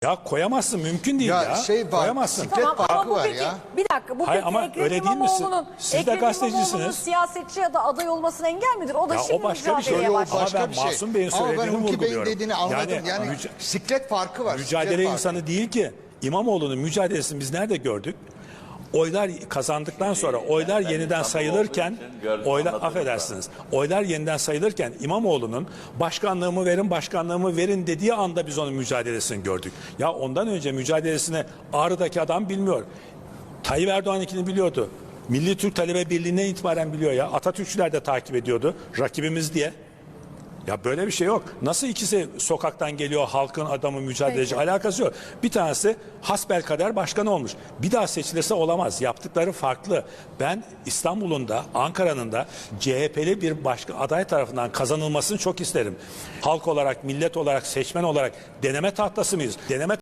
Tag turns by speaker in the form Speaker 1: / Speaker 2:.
Speaker 1: Ya koyamazsın, mümkün değil ya.
Speaker 2: Şey var,
Speaker 1: koyamazsın.
Speaker 2: siklet farkı
Speaker 3: ama bu
Speaker 2: var
Speaker 3: peki,
Speaker 2: ya.
Speaker 3: bir dakika, bu
Speaker 1: Hayır,
Speaker 3: peki
Speaker 1: ama
Speaker 3: Ekrem
Speaker 1: öyle değil misin?
Speaker 3: İmamoğlu'nun
Speaker 1: Siz de
Speaker 3: Ekrem
Speaker 1: gazetecisiniz.
Speaker 3: İmamoğlu'nun siyasetçi ya da aday olmasına engel midir? O da
Speaker 1: Ya
Speaker 3: şimdi
Speaker 1: o başka bir şey.
Speaker 3: mücadeleye
Speaker 2: O
Speaker 3: başladı.
Speaker 2: başka
Speaker 1: Ama ben
Speaker 2: bir şey.
Speaker 1: Masum Bey'in
Speaker 2: Ama ben
Speaker 1: söylediğini
Speaker 2: Hulki Bey'in
Speaker 1: vurguluyorum.
Speaker 2: dediğini anladım. Yani siklet farkı var.
Speaker 1: Mücadele
Speaker 2: siklet
Speaker 1: insanı
Speaker 2: farkı.
Speaker 1: değil ki. İmamoğlu'nun mücadelesini biz nerede gördük? Oylar kazandıktan sonra oylar yeniden sayılırken oylar yeniden sayılırken İmamoğlu'nun başkanlığımı verin dediği anda biz onun mücadelesini gördük. Ya ondan önce mücadelesini Ağrı'daki adam bilmiyor. Tayyip Erdoğan'ınkini biliyordu. Milli Türk Talebe Birliği'ne itibaren biliyor ya. Atatürkçüler de takip ediyordu. Rakibimiz diye. Ya böyle bir şey yok. Nasıl ikisi sokaktan geliyor, halkın adamı, mücadeleci, alakası yok. Bir tanesi hasbelkader başkan olmuş. Bir daha seçilirse olamaz. Yaptıkları farklı. Ben İstanbul'un da Ankara'nın da CHP'li bir başka aday tarafından kazanılmasını çok isterim. Halk olarak, millet olarak, seçmen olarak deneme tahtası mıyız? Deneme